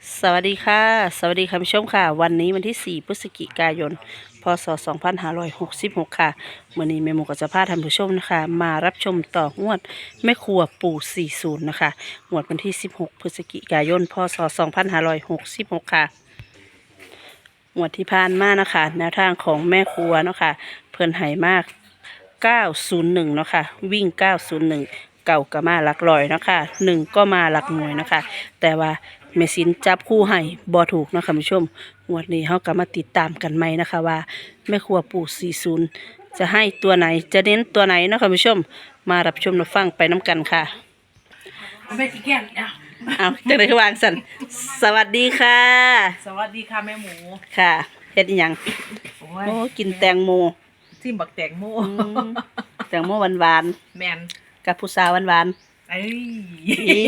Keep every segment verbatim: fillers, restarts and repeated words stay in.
สวัสดีค่ะสวัสดีคุณผู้ชมค่ะวันนี้วันที่สี่พฤศจิกายนพศสองพันห้าร้อยหกสิบหกค่ะวันนี้แม่หมูก็จะพาท่านผู้ชมนะคะมารับชมต่องวดแม่ครัวปู่สี่สิบนะคะงวดวันที่สิบหกพฤศจิกายนพศสองพันห้าร้อยหกสิบหกค่ะงวดที่ผ่านมานะคะแนวทางของแม่ครัวเนาะค่ะเพิ่นให้มากเก้าศูนย์หนึ่งเนาะค่ะวิ่งเก้าศูนย์หนึ่งเก่าก็มาหลักร้อยเนาะค่ะหนึ่งก็มาหลักหน่วยเนาะค่ะแต่ว่าแม่สินจับคู่ให้บ่ถูกนะคุณผู้ชมงวดนี้เฮาก็มาติดตามกันใหม่นะคะว่าแม่ครัวปู่สี่สิบจะให้ตัวไหนจะเน้นตัวไหนนะคุณผู้ชมมารับชมรับฟังไปน้ำกันค่ะเอาไปกี่แก้วเนี่ยเอาจังได๋คือวางสั่นสวัสดีค่ะสวัสดีค่ะแม่หมูค่ะเฮ็ดอิหยังโอ้โอ้กินแตงโมทิมบักแตงโมอืมแตงโมหวานแมนๆกับผู้สาวหวานเอ้ยๆอี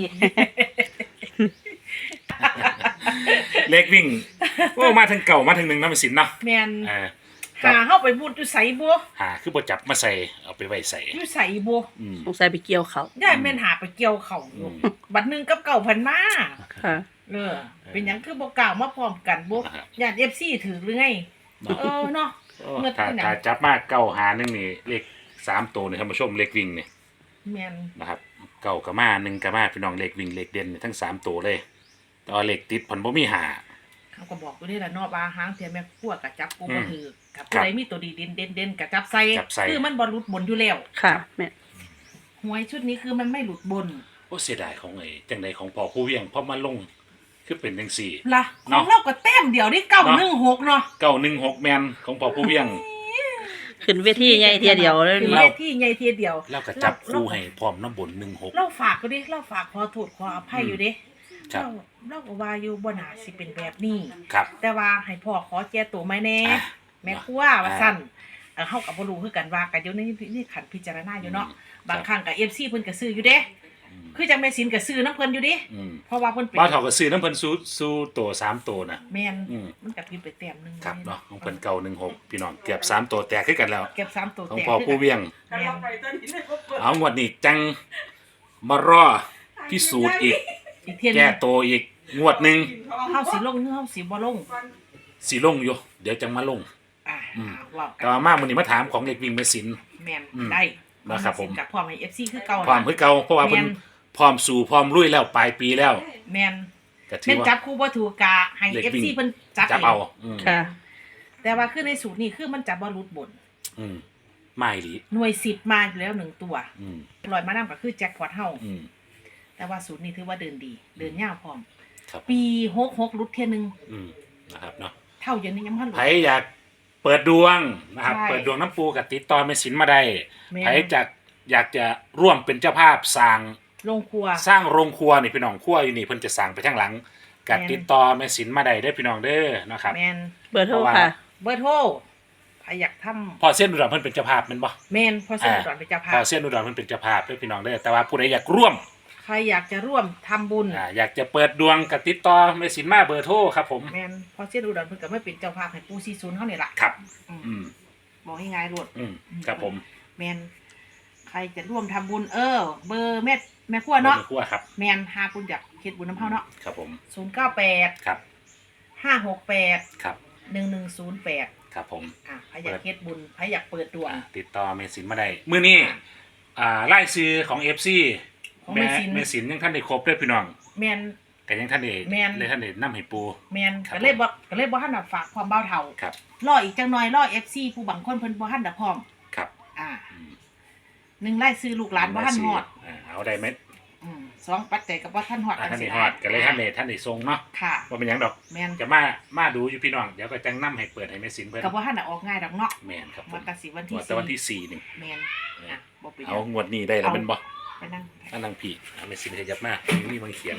เล็กวิ่งโอ้มาถึงเก่ามาถึงหนึ่งน้ำมันสินเนาะแมนอ่าหาเข้าไปบุญอยู่ใส่บัวหาคือบ่จับมาใส่เอาไปไว้ใส่อยู่ใส่บัวอืมสงสัยไปเกี่ยวเขาย่ายแม่นหาไปเกี่ยวเขาอยู่อืมบัดหนึงกับเก่าพันมาค่ะเออเป็นหยังคือบ่กล่าวมาพร้อมกันบัวอ่าฮะย่าน เอฟ ซี ถือหรือไงเนาะเออเนาะโอ้เมื่อถ้าที่ไหนถ้าจับมาเก่าหาหนึ่งนี่เลขสามตัวนี่ท่านผู้ชมเลขวิ่งนี่แมนนะครับเก่ากับมาหนึ่งกับมาพี่น้องเลขวิ่งเลขเด่นนี่ทั้งสามตัวเลยแตอนเลขติดผ่อนบ่มีหาเขาก็บอกอยู่นี่แหละเนาะว่าหางเทียแม่ขั้วกับจับกูบ่อืมถือกับครัผู้บใดมีตัวดีเด่นเด่นเด่นกับจับใส่จับใส่คือมันบ่หลุดบนอยู่แล้วค่ะแม่หวยชุดนี้คือมันไม่หลุดบนโอ้เสียดายของไอ้จังใดของพ่อผู้เวียงพอมาลงคือเป็นจังสี่ล่ะขเนาะองเราก็แต้มเดียวนี่เก้าหนึ่งหกเนาะเก่าหนึ่งหกแมนของพ่อผู้เวียงขึ้นเวทีใหญ่เทียเดียวเลยคือเราเลขที่ใหญ่เทียเดียวแล้วก็จับคู่ให้พร้อมน้ำบนหนึ่งหกเราฝากก็ดิเราฝากขอโทษขออภัยอยู่เดิครับเราเราก็ว่าอยู่บ่น่าสิเป็นแบบนี้ครับแต่ว่าให้พ่อขอแก้ตัวไหมแน่อ่ะแม่ครัวว่าซั่นเออเฮาก็บ่รู้คือกันว่ากันอยู่ในนี่ขันพิจารณาอยู่เนาะอืมบางครั้งก็ เอฟ ซี เพิ่นก็ซื้ออยู่เด้อืมคือจังแม่สินก็ซื้อน้ำเพิ่นอยู่ดิอืมเพราะว่าเพิ่นเป็นบ้าวเถาก็ซื้อน้ำเพิ่นสู้สู้ตัวสามตัวนะแม่นอืมมันก็ผิดไปแต้มหนึงครับเนาะของเพิ่นเก่าหนึ่งหกพี่น้องเกือบสามตัวแตกขึ้นกันแล้วเก็บสามตัวของแตกพ่อผู้เวียงแม่นเอางวดนี้จังมารอพิสูจน์อีกอีกเที่ยหนึแก้งตัวอีกงวดหนึ่งเฮาสิลงหรือเฮาสิบ่ลงสีลงอยู่ เดี๋ยวจังมาลงอ่าอืมว่ากัแต่ว่ามากวันนี้มาถามของเล็กวิ่งเมสินแม่นอืมได้นะครับผมกับพร้อมให้ เอฟ ซี คือเก่าพร้อมคือเก่าเพราะว่าเพิ่นแม่นพร้อมสู่พร้อมลุยแล้วปลายปีแล้วแม่นก็ถืแม่อน ว่าจับคู่บ่ถูกกะให้เล็กเอฟวิ่งซี เพิ่นจับจับเองเอาอืมค่ะแต่ว่าคือในสูตรนี้คือมันจับบ่หลุดบนอืมไม่หลีหน่วยสิบมาอยู่แล้วหนึ่งตัวอืมลอยมานำก็คือแจ็คพอตเฮาอืมแต่ว่าสูตรนี้ถือว่าเดินดี เดินยาวพร้อมครับปีหกสิบหกหลุดเที่ยหนึงอืมนะครับเนาะเท่าเดี๋ยวนี้ยังบ่ทันหลุไผดอยากเปิดดวงนะครับใช่เปิดดวงน้ำปูกับติดต่อเมสินมาได้แม่นไผจะอยากจะร่วมเป็นเจ้าภาพสร้างลงครัวสร้างโรงครัวนี่พี่น้องครัวอยู่นี่เพิ่นจะสั่งไปทางหลังกับแม่นติดต่อเมสินมาได้เด้อพี่น้องเด้อนะครับแม่นเบอร์โทรเพราะว่าค่ะเบอร์โทรใครอยากทำพอเส้นอุดรเพิ่นเป็นเจ้าภาพแม่นบ่แม่นพอเสร็จก่อนไปเจ้าภาพอพเส้นอุดรเพิ่นเป็นเจ้าภาพเด้อพี่น้องเด้อแต่ว่าผู้ใดอยากร่วมใครอยากจะร่วมทำบุญอ่าอยากจะเปิดดวงกับติดต่อเมสินมาเบอร์โทรครับผมแม่นพอเสียดูดอนเพิ่นก็ไม่เป็นเจ้าภาพให้ปูซีศูนย์เขาเนี่ยล่ะครับอืมอืมบอกง่ายๆรวดอืมครับผมแม่นใครจะร่วมทำบุญเออ เบอร์แม่แม่ครัวเนาะเบอร์ครัวครับแม่นหาบุญอยากเฮ็ดบุญน้ำเฮาเนาะครับผมศูนย์เก้าแปดครับห้าหกแปดครับหนึ่งหนึ่งศูนย์แปดครับผมอ่ะใครอยากเฮ็ดบุญใครอยากเปิดดวงอ่าติดต่อเมสินมาได้มื้อนี้อ่าไล่ซื้อของ เอฟ ซีของแม่แม่สินเมสินยังท่านได้ครบเด้อพี่น้องแม่นแต่ยังท่านได้แม่นเลยท่านได้นำให้ปูแม่นครับก็เลยบ่ก็เลยบ่ทันได้ฝากความเบาเท่าครับรออีกจังหน่อยรอ เอฟ ซี ผู้บางคนเพิ่นบ่ทันได้พร้อมครับอ่าอืมหนึ่งไล่ซื้อลูกหลานบ่ทันฮอดอ่าเอาได้ไหมอืมสองปัจจัยกับบ่ทันฮอดอ่าท่านสิได้ฮอดก็เลยท่านได้ท่านได้ทรงเนาะค่ะว่าเป็นหยังดอกแม่นจะมามาดูอยู่พี่น้องเดี๋ยวก็จังนํให้เปิดให้เมสินเพิ่นก็บ่ทันได้ออกง่ายดอกเนาะแม่นครับผมันมก็สิวันที่ว่าแต่วันที่สี่นี่แม่นอ่ะบ่เป็นหเอายังงวดนี้ได้แล้วเป็นบ่ไปนั่งอันนังพี่เอาเมสินขยับมานี่มันเขียน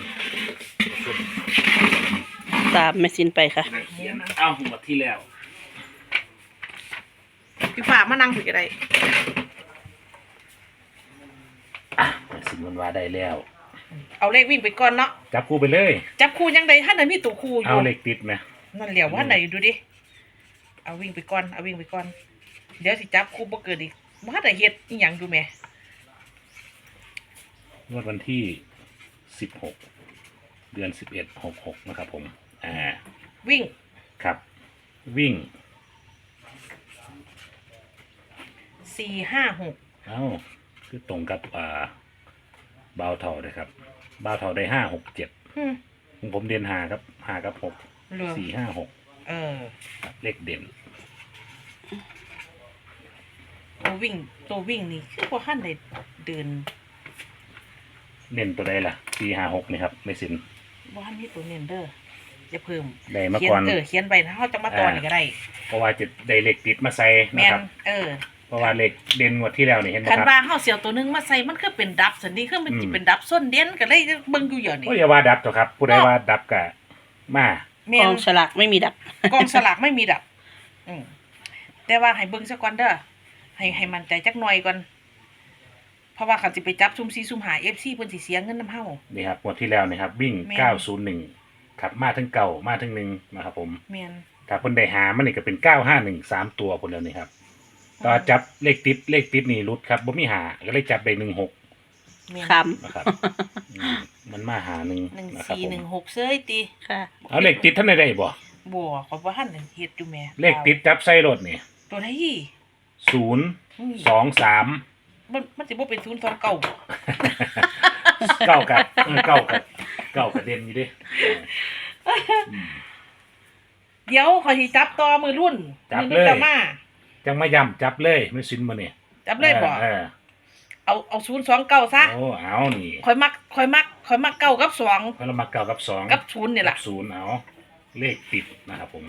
ตามแม่สินไปค่ะเขียนเอางวดที่แล้วพี่ฟ้ามานั่งคุยกันได้อ่ะเมสินมันว่าได้แล้วเอาเลขวิ่งไปก่อนเนาะจับคู่ไปเลยจับคู่ยังไดท่านน่ะมีตัวคู่อเอายู่เหล็กติดไหมนั่นเหลียวว่าไหนดูดิเอาวิ่งไปก่อนเอาวิ่งไปก่อนเดี๋ยวสิจับคู่บ่เกินอีกบ่ทันได้เฮ็ดอีหยังอยู่แหมงวดวันที่สิบหกเดือนสิบเอ็ดหกหกนะครับผมอ่าวิ่งครับวิ่งสี่ห้าหกเอ้าคือตรงกับอ่าบาวเท่าเลยครับบาวเท่าได้ห้าหกเจ็ดอืมของผมเด่นหาครับหากับหกเหลือสี่ห้าหกเออเลขเด่นตัววิ่งตัววิ่งนี่คือว่าขั้นได้เดินเน้นตัวใดล่ะสี่ห้าหกนี่ครับไม่สินว่าขั้นมีตัวเน้นเด้อจะเพิ่มได้มาเขียก่อนเออเขียนไปนะเขาจะมาตอนนี่ก็ได้เพราะว่าจะได้เลขติดมาใส่แมนะนครับเออเพราะว่าเลขเด่นงวดที่แล้วนี่เห็นไหมคันครับว่าเขาเสียวตัวหนึงมาใส่มันคือเป็นดับสันนี้คือมันอืมจิเป็นดับส้นเด่นก็เลยเบิ่งอยู่อย่างนี้โอ้ยอย่าว่าดับตัวครับ ผู้ใดว่าดับกะมาแมกอน งฉลากไม่มีดับกองสลากไม่มีดับ อืมแต่ว่าให้เบิ่งซะก่อนเด้อให้ให้มันใจจักหน่อยก่อนเพราะว่าเขาสิไปจับซุ่มซีซุ่มหา เอฟ ซี เพิ่นสิเสียเงินนํเฮานี่ครับงวดที่แล้วนี่ครับวิ่งแม่นเก้าศูนย์หนึ่งครับมาทั้งเก่ามาทั้งหนึ่งนะครับผมแม่นถ้าเพิ่นได้หามันนี่ก็เป็นเก้าห้าหนึ่งสามตัวคนเดียวนี่ครับต่อจับเลขติดเลขติดนี่รุดครับบ่มีหาก็เลยจับได้หนึ่งหกแม่นคนะครับ อืมมันมาหาหนึ่งหนึ่งนะครับสี่ผมหนึ่งหกเซยติำค่ะเอาเลขติดท่านได้ได้บ่บ่ขอยบ่ทันได้เฮ็ดอยู่แหม่เลขติดจับใส่รถนี่ตัวไหนศูนย์อืมสองสามมันมันสิบ่เป็นศูนย์สองเก้าเก้ากับเออเก้ากับเก้ากับเด่นอยู่ดิอืมเดี๋ยวขอยสิจับต่อมือรุ่นจับมือรุ่นเลยตะมาจังมาย่ำจับเลยไม่สินมาเนี่ยจับเลยบ่เออเอาเอาศูนย์สองเก้าซะโอ้เอานี่ข่อยมักข่อยมักข่อยมักเก้ากับสองเพราะเรามาเก้ากับสองกับศูนย์นี่แหละกับศูนย์เอาเลขติดนะครับผม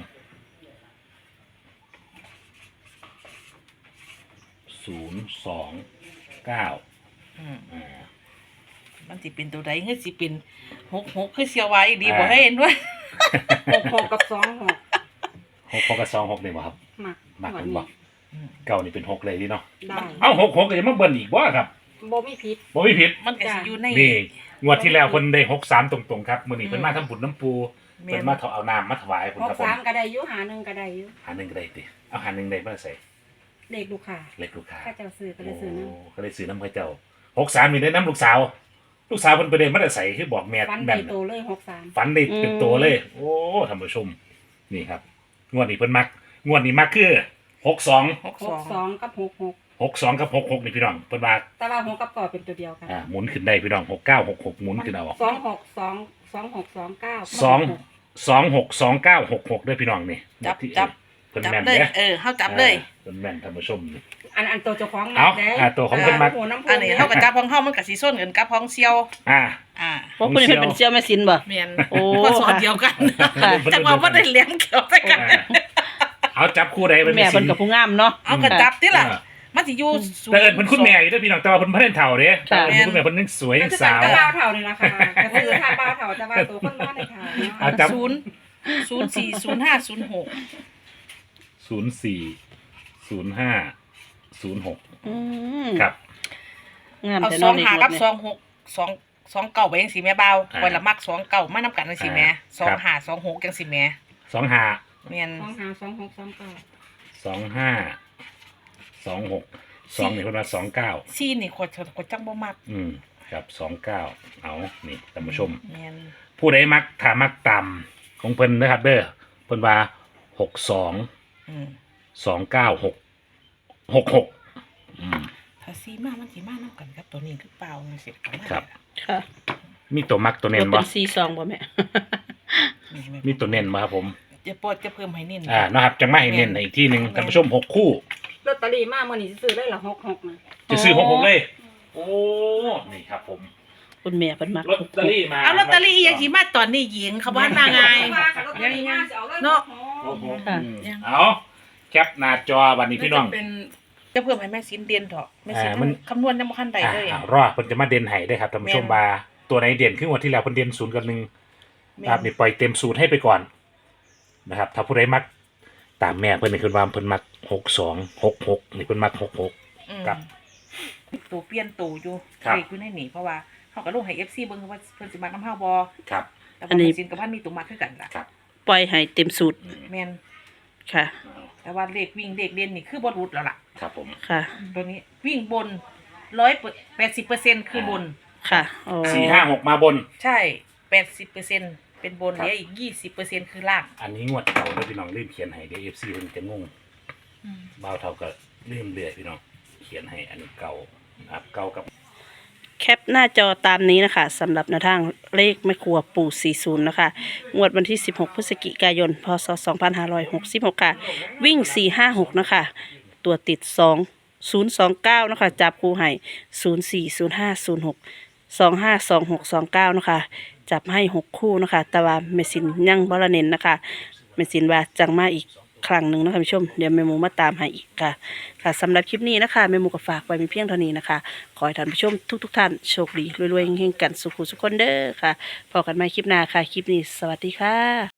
ศูนย์สองเก้าอืมอ่ามันสิเป็นตัวใดเฮ้ยสิเป็นหกหกคือเสียวไว้ดีบ่อ่าให้เห็นด้วยหกหกกับสองหกหกหกกับสองหกเลยบ่ครับมามักเป็นบ่เก้านี่เป็นหกเลยดิเนาะได้เอ้าหกหกก็จะมาเบิ่นอีกบ่ครับโบไม่ผิดบ่มีผิดมันก็สิอยู่ในนี่งวดที่แล้วคนได้หกสามตรงๆครับมื้อนี้เพิ่นมาทำบุญน้ำปูแม่นเพิ่นมาถเอาน้ำมาถวายผมหกครับผมสามก็ได้อยุหาหนึ่งก็ได้อยุหาหนึ่งก็ได้ติเอาหาหนึ่งได้มาใส่เด็กลูกค้าเล็กลูกค้าข้าเจ้าซื้อก็เลยซื้อน้โอ้ก็เลยซื้อน้ำพระเจ้าหกสามมีได้น้ำลูกสาว ลูกสาวเพิ่นไปได้มาได้ใส่คือบอกแม่ำฟันแม่ใบนโตเลยหกสามฝันได้เป็นตัวเลย โอ้ท่านผู้ชม นี่ครับ งวดนี้เพิ่นมัก งวดนี้มักคือหกสองหกหสกองสองกับหกหกหกสองกับหกหกนี่พี่น้องเพิ่นว่าแต่ว่าหกกับก่อเป็นตัวเดียวกันอ่าหมุนขึ้นได้พี่น้องหกเก้าหกหกหมุนขึ้นเอาสองหกสองสองหกสองเก้าสองสองหกสองเก้าหกหกด้วยพี่น้องนี่จับที่จับเพิ่นจับแม่นเลยเด้อเออเฮาจับเลยเพิ่นแม่นท่านผู้ชมนี่อันอันตัวเจ้าของเอาด้อ่าตัวของเพิ่นมักหัวน้ำพุอันนี้เฮาก็จับของเฮามันก็สิส้นกันกับของเซียวอ่าอ่าพวกคุณนี่เป็นเซี่ยวแม่สินบ่แม่นโอ้ก็สอนเดียวกันค่ะจังว่าบ่ได้เลี้ยงเกี่ยวแต่กันอ่าเอาจับคู่ใดเป็นแม่เพิ่นกับผู้งามเนาะเอาก็จับติล่ะมันสิอยู่ศูนย์แต่เอิญเพิ่นคุณแม่อยู่เด้วยพี่น้องแต่ว่าเพิ่นบ่ได้เฒ่าเด้ค่ะเอิ้นคุณแม่เพิ่นยังสวยยังสาวก็บ้าวเท่านี่ล่ะค่ะก็คือถ้าบ้าวเท่าแต่ว่าตัวคนบ้านในเท่าเอาจับศูนย์ศูนย์สี่ศูนย์ห้าศูนย์หกศูนย์สี่ ศูนย์ห้า ศูนย์หกอืมครับงามเอาแต่สน้อองงนี่หาหมกัดบเนี่ยสองหกสองสองเก่าไปจังสิแม่เบาอ่าคนละมักสองเก่ามานํกันจังสิแม่สองครับหาสองหกจังสิแม่สองห้าแม่นสองห้าสองหกสองเก้าสองห้า สองหก สองนี่เพิ่นว่าสองเก้าซีนี่คนคนจังบ่มักอืมครับสองเก้าเอานี่ท่านผู้ชมแม่นผู้ใดมักถ้ามักต่ำของเพิ่นนะครับเด้อเพิ่นว่าหกสองอืมสองเก้าหกหกหกอืมถ้าซีมามันสิมานํกันครับตัวนี้คือเปล่าจังซี่ประมาณครับค่ะมีตัวมักตัวเน้นเป็บ่นซีซองบ่แม่นี่แม่มีตัวเน้นบ่ครับผมจะปวดจะเพิ่มให้เน้นอ่านะครับจังมาให้เน้นให้อีกที่หนึ่งท่านผู้ชมหกคู่ลอตเตอรี่มาเมื่อนี้ซื้อได้ละหกหกนะจะซื้อหกหกเลย โอ้ นี่ครับผมคุณแม่เป็นมักลอตเตอรี่มาเอาลอตเตอรี่อีหยังสิมาตอนนี้หญิงเขาบ้านมาไง เนาะโอ้โหค่ะอืมเอาแคปหน้าจอวันนี้พี่น้องเป็นจะเพิ่มให้แม่สินเด่นเถอะแม่สินอ่ามันคำนวณยังบ่ทันได้อ่าเลยอ่ารอดเพิ่นจะมาเด่นให้ได้ครับท่านผู้ชมแม่นบาตัวไหนเด่นขึ้นกว่าที่แล้วเพิ่นเด่นศูนย์กับหนึ่งแม่นะครับนี่ปล่อยเต็มสูตรให้ไปก่อนนะครับ ถ้าผู้ใดมักตามแม่เพิ่นนี่คือว่าเพิ่นมักหกสองหกหกนี่เพิ่นมักหกหกอืมครับตัวเปลี่ยนตัวอยู่ครับเลขอยู่ในนี่เพราะว่าเขาก็ลงให้ เอฟ ซี เบิ่งว่าเพิ่นสิมักน้ำเฮาบ่ครับแต่อัว่านนี้แม่สินกับพันมีตัวมักคือกันล่ะครับปล่อยให้เต็มสูตรแม่นค่ะแต่ว่าเลขวิ่งเลขเด่นนี่คือบ่รุดแล้วล่ะครับผมค่ะตัวนี้วิ่งบนร้อยแปดสิบเปอร์เซ็นต์คือบนค่ะอ๋อสี่ห้าหกมาบนใช่แปดสิบเปอร์เซ็นต์เป็นบนเหลืออีกยี่สิบเปอร์เซ็นต์คือล่างอันนี้งวดเก่าแล้วพี่น้องลืมเขียนให้เดี๋ยวเอฟซีเพิ่นจะงงบ่าวเท่าก็ลืมเรื่อยพี่น้องเขียนให้อันนี้เก่านะครับเก่ากับแคปหน้าจอตามนี้นะคะสำหรับแนวทางเลขแม่ครัวปู่สี่สิบนะคะงวดวันที่สิบหกพฤศจิกายนพศสองพันห้าร้อยหกสิบหกค่ะวิ่งสี่ห้าหกนะคะตัวติดสองศูนย์สองเก้านะคะจับคู่ให้ศูนย์สี่ศูนย์ห้าศูนย์หกสองห้าสองหกสองเก้านะคะจับให้หกคู่นะคะแต่ว่าเมสินยังบรเน้นนะคะเมสินว่าจังมาอีกครั้งหนึ่งนะคะผู้ชมเดี๋ยวแม่หมูมาตามให้อีกค่ะค่ะสำหรับคลิปนี้นะคะแม่หมูก็ฝากไว้มีเพียงเท่านี้นะคะขอให้ท่านผู้ชมทุกๆท่านโชคดีรวยๆเฮงๆกันสุขุสุขคนเด้อค่ะพบกันใหม่คลิปหน้าค่ะคลิปนี้สวัสดีค่ะ